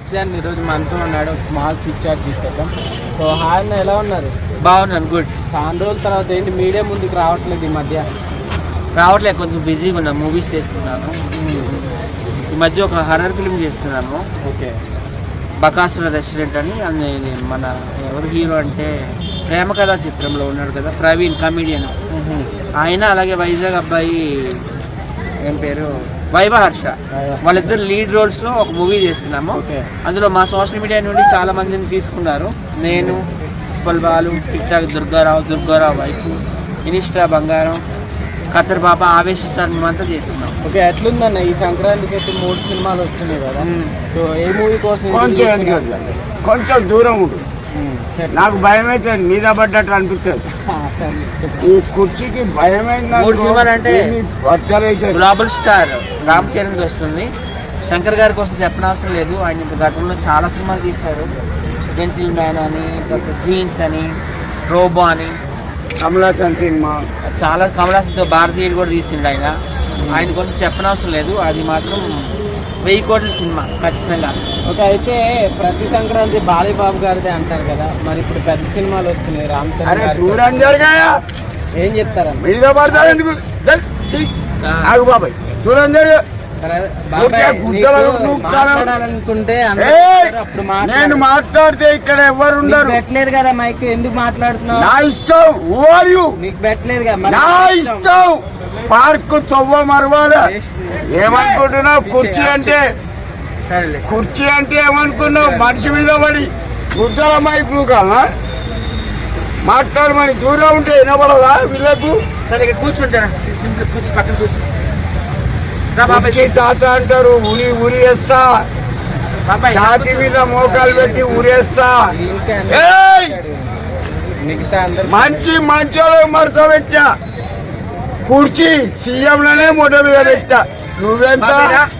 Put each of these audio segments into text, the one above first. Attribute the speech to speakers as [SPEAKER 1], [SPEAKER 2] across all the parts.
[SPEAKER 1] అని ఈరోజు మనతో ఉన్నాడు. స్మాల్ చిట్ చాట్ తీసుకొద్దాం. సో హాయ్ అన్న, ఎలా ఉన్నారు?
[SPEAKER 2] బాగున్నాను, గుడ్.
[SPEAKER 1] చాలా రోజుల తర్వాత ఏంటి మీడియా ముందుకు రావట్లేదు ఈ మధ్య?
[SPEAKER 2] రావట్లేదు, కొంచెం బిజీగా ఉన్నా, మూవీస్ చేస్తున్నాను. ఈ మధ్య ఒక హర్రర్ ఫిల్మ్ చేస్తున్నాను.
[SPEAKER 1] ఓకే.
[SPEAKER 2] బకాసుర రెస్టారెంట్ అని మన ఎవరు హీరో అంటే ప్రేమ కథా చిత్రంలో ఉన్నాడు కదా, ప్రవీణ్, కమిడియన్ ఆయన. అలాగే వైజాగ్ అబ్బాయి ఏం పేరు, వైభహర్ష, వాళ్ళిద్దరు లీడ్ రోల్స్ లో ఒక మూవీ చేస్తున్నాము. అందులో మా సోషల్ మీడియా నుండి చాలా మందిని తీసుకున్నారు. నేను, Uppal Balu, TikTok Durgarao wife, insta బంగారం, ఖతర్ బాబా, ఆవేశిస్తారు, మేమంతా చేస్తున్నాం.
[SPEAKER 1] ఓకే, ఎట్లుందన్న ఈ సంక్రాంతికి అయితే 3 సినిమాలు వస్తున్నాయి కదా. సో ఏ మూవీ కోసం?
[SPEAKER 3] కొంచెం దూరం ఉంటుంది, నాకు భయం అవుతుంది, మీద పడ్డట్టు అనిపిస్తుంది. ఈ కుర్చీకి భయమైంది.
[SPEAKER 2] 3 సినిమాలు అంటే గ్లోబల్ స్టార్ రామ్ చరణ్ వస్తుంది. శంకర్ గారి కోసం చెప్పనవసరం లేదు, ఆయన గతంలో చాలా సినిమాలు తీశారు. జెంటిల్ మ్యాన్ అని, జీన్స్ అని, రోబో అని,
[SPEAKER 3] కమలాసన్ సినిమా,
[SPEAKER 2] చాలా కమలాసన్తో భారతీయుడు కూడా తీసిండు ఆయన. ఆయన కోసం చెప్పనవసరం లేదు, అది మాత్రం 1000 కోట్ల సినిమా ఖచ్చితంగా.
[SPEAKER 1] ఓకే, అయితే ప్రతి సంక్రాంతి బాలీబాబు గారిదే అంటారు కదా, మరి ఇప్పుడు పెద్ద సినిమాలు వస్తున్నాయి రామ్ చరణ్ గారు, ఏం చెప్తారన్న?
[SPEAKER 3] బాబాయ్ దూరం జరిగా
[SPEAKER 1] అనుకుంటే
[SPEAKER 3] నేను మాట్లాడితే ఇక్కడ ఎవరు ఉండరు.
[SPEAKER 1] పెట్టలేదు కదా మైక్, ఎందుకు మాట్లాడుతున్నావు?
[SPEAKER 3] నా ఇష్టం,
[SPEAKER 1] నీకు పెట్టలేదు కదా,
[SPEAKER 3] నా ఇష్టం. పార్క్ తవ్వ మరవాలా ఏమనుకుంటున్నావు? కుర్చీ అంటే ఏమనుకున్నావు? మనిషి మీద పడి గుద్దల మైక్ కాలా మాట్లాడమని. దూరం ఉంటే వినపడదా వీళ్ళకు?
[SPEAKER 2] సరే కూర్చుంటారా, కూర్చు, పక్కన కూర్చో.
[SPEAKER 3] తాత అంటారు, ఉరి వేస్తా, ఛాతి మీద మోకాలు పెట్టి ఉరేస్తా. మంచి మంచోళ్ళు మడత పెట్టా, కుర్చీ సీఎంలోనే మొట్ట మీద పెట్టా. నువ్వెంత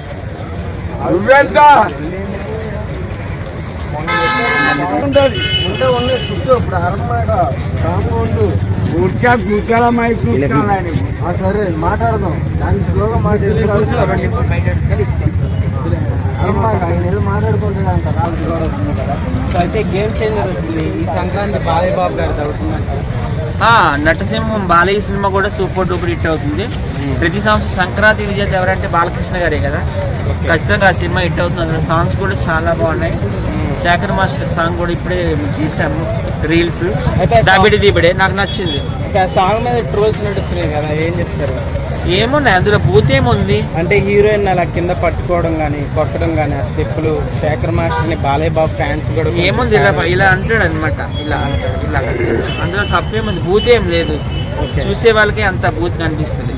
[SPEAKER 3] కూర్చోల మైక్.
[SPEAKER 1] సరే మాట్లాడదాం, దానికి స్లోగా మాట్లాడుకుంటున్నా. అయితే గేమ్ చేంజర్ వస్తుంది ఈ సంక్రాంతి బాలయ్యబాబు గారిది అవుతుందంట.
[SPEAKER 2] నటసింహం బాలయ్య సినిమా కూడా సూపర్ డూపర్ హిట్ అవుతుంది. ప్రతి సంవత్సరం సంక్రాంతి విజేత ఎవరంటే బాలకృష్ణ గారే కదా, ఖచ్చితంగా ఆ సినిమా హిట్ అవుతుంది. అందులో సాంగ్స్ కూడా చాలా బాగున్నాయి. శేఖర్ మాస్టర్ సాంగ్ కూడా ఇప్పుడే చేసాము, రీల్స్ దీబడే నాకు నచ్చింది.
[SPEAKER 1] సాంగ్ మీద ట్రోల్స్ నడుస్తున్నాయి కదా, ఏం చెప్తారు?
[SPEAKER 2] ఏమున్నాయి అందులో, బూత్ ఏముంది
[SPEAKER 1] అంటే హీరోయిన్ అలా కింద పట్టుకోవడం కానీ కొట్టడం కానీ, ఆ స్టెప్పులు శేఖర్ మాస్టర్ ని బాలయ్య బాబు ఫ్యాన్స్ కూడా
[SPEAKER 2] ఏముంది ఇలా అంటాడు అనమాట. ఇలా అందులో తప్పేముంది, బూత్ ఏం లేదు. చూసే వాళ్ళకి అంత బూత్ కనిపిస్తుంది.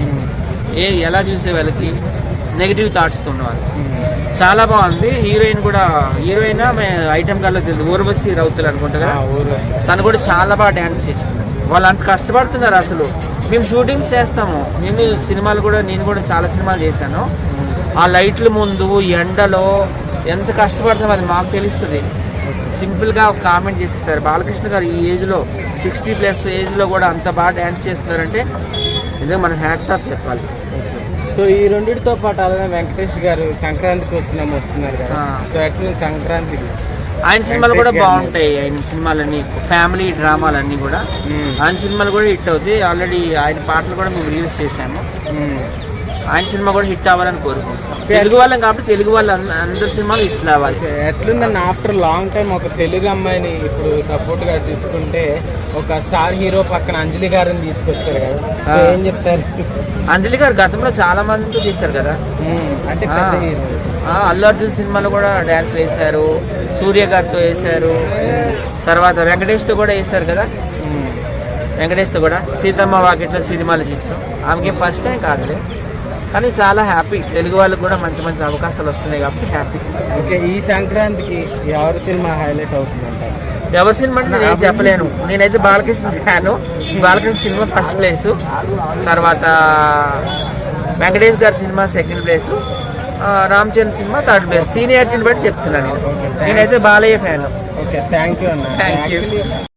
[SPEAKER 2] ఎలా చూసే వాళ్ళకి నెగిటివ్ థాట్స్ ఉన్నవాళ్ళు. చాలా బాగుంది. హీరోయిన్ కూడా, హీరోయిన్ ఐటమ్ గాల్లో తెలియదు, ఊర్వశి రౌతులు అనుకుంటా కదా, తను కూడా చాలా బాగా డ్యాన్స్ చేసింది. వాళ్ళు అంత కష్టపడుతున్నారు. అసలు మేము షూటింగ్స్ చేస్తాము, నేను కూడా చాలా సినిమాలు చేశాను. ఆ లైట్ల ముందు ఎండలో ఎంత కష్టపడతామో అది మాకు తెలుస్తుంది. సింపుల్గా ఒక కామెంట్ చేసిస్తారు. బాలకృష్ణ గారు ఈ ఏజ్లో 60+ ఏజ్లో కూడా అంత బాగా డ్యాన్స్ చేస్తున్నారంటే నిజంగా మనం హ్యాట్స్ ఆఫ్ చెప్పాలి.
[SPEAKER 1] సో ఈ రెండింటితో పాటు అలానే వెంకటేష్ గారు సంక్రాంతికి వస్తున్నారు కదా, సో యాక్చువల్లీ సంక్రాంతికి
[SPEAKER 2] ఆయన సినిమాలు కూడా బాగుంటాయి. ఆయన సినిమాలన్నీ ఫ్యామిలీ డ్రామాలన్నీ కూడా, ఆయన సినిమాలు కూడా హిట్ అవుతాయి. ఆల్రెడీ ఆయన పాటలు కూడా మేము రిలీజ్ చేసాము. ఆయన సినిమా కూడా హిట్ అవ్వాలని కోరుకుంటాం. తెలుగు వాళ్ళం కాబట్టి తెలుగు వాళ్ళు అందరి సినిమాలు హిట్ అవ్వాలి.
[SPEAKER 1] ఎట్లుందని ఆఫ్టర్ లాంగ్ టైం ఒక తెలుగు అమ్మాయిని ఇప్పుడు సపోర్ట్ గా తీసుకుంటే, ఒక స్టార్ హీరో పక్కన అంజలి గారిని తీసుకొచ్చారు కదా, ఏం చెప్తారు?
[SPEAKER 2] అంజలి గారు గతంలో చాలా మందితో చేశారు కదా,
[SPEAKER 1] అంటే
[SPEAKER 2] అల్లు అర్జున్ సినిమాలో కూడా డాన్స్ వేశారు, సూర్య గారితో వేశారు, తర్వాత వెంకటేష్ తో కూడా వేశారు కదా. వెంకటేష్ తో కూడా సీతమ్మ వాకిట్లో సినిమాలు చేస్తాం. ఆమెకి ఫస్ట్ టైం కాదులే, కానీ చాలా హ్యాపీ. తెలుగు వాళ్ళకి కూడా మంచి మంచి అవకాశాలు వస్తున్నాయి కాబట్టి హ్యాపీ.
[SPEAKER 1] ఓకే, ఈ సంక్రాంతికి ఎవరి సినిమా హైలైట్ అవుతుందంటారు?
[SPEAKER 2] ఎవరి సినిమా అంటే నేను చెప్పలేను. నేనైతే బాలకృష్ణ ఫ్యాను. బాలకృష్ణ సినిమా ఫస్ట్ ప్లేసు, తర్వాత వెంకటేష్ గారి సినిమా సెకండ్ ప్లేసు, రామ్ చరణ్ సినిమా థర్డ్ ప్లేస్. సీనియారిటీని బట్టి చెప్తున్నాను నేనైతే Balayya fan.
[SPEAKER 1] Okay, thank you అన్న.
[SPEAKER 2] Thank you.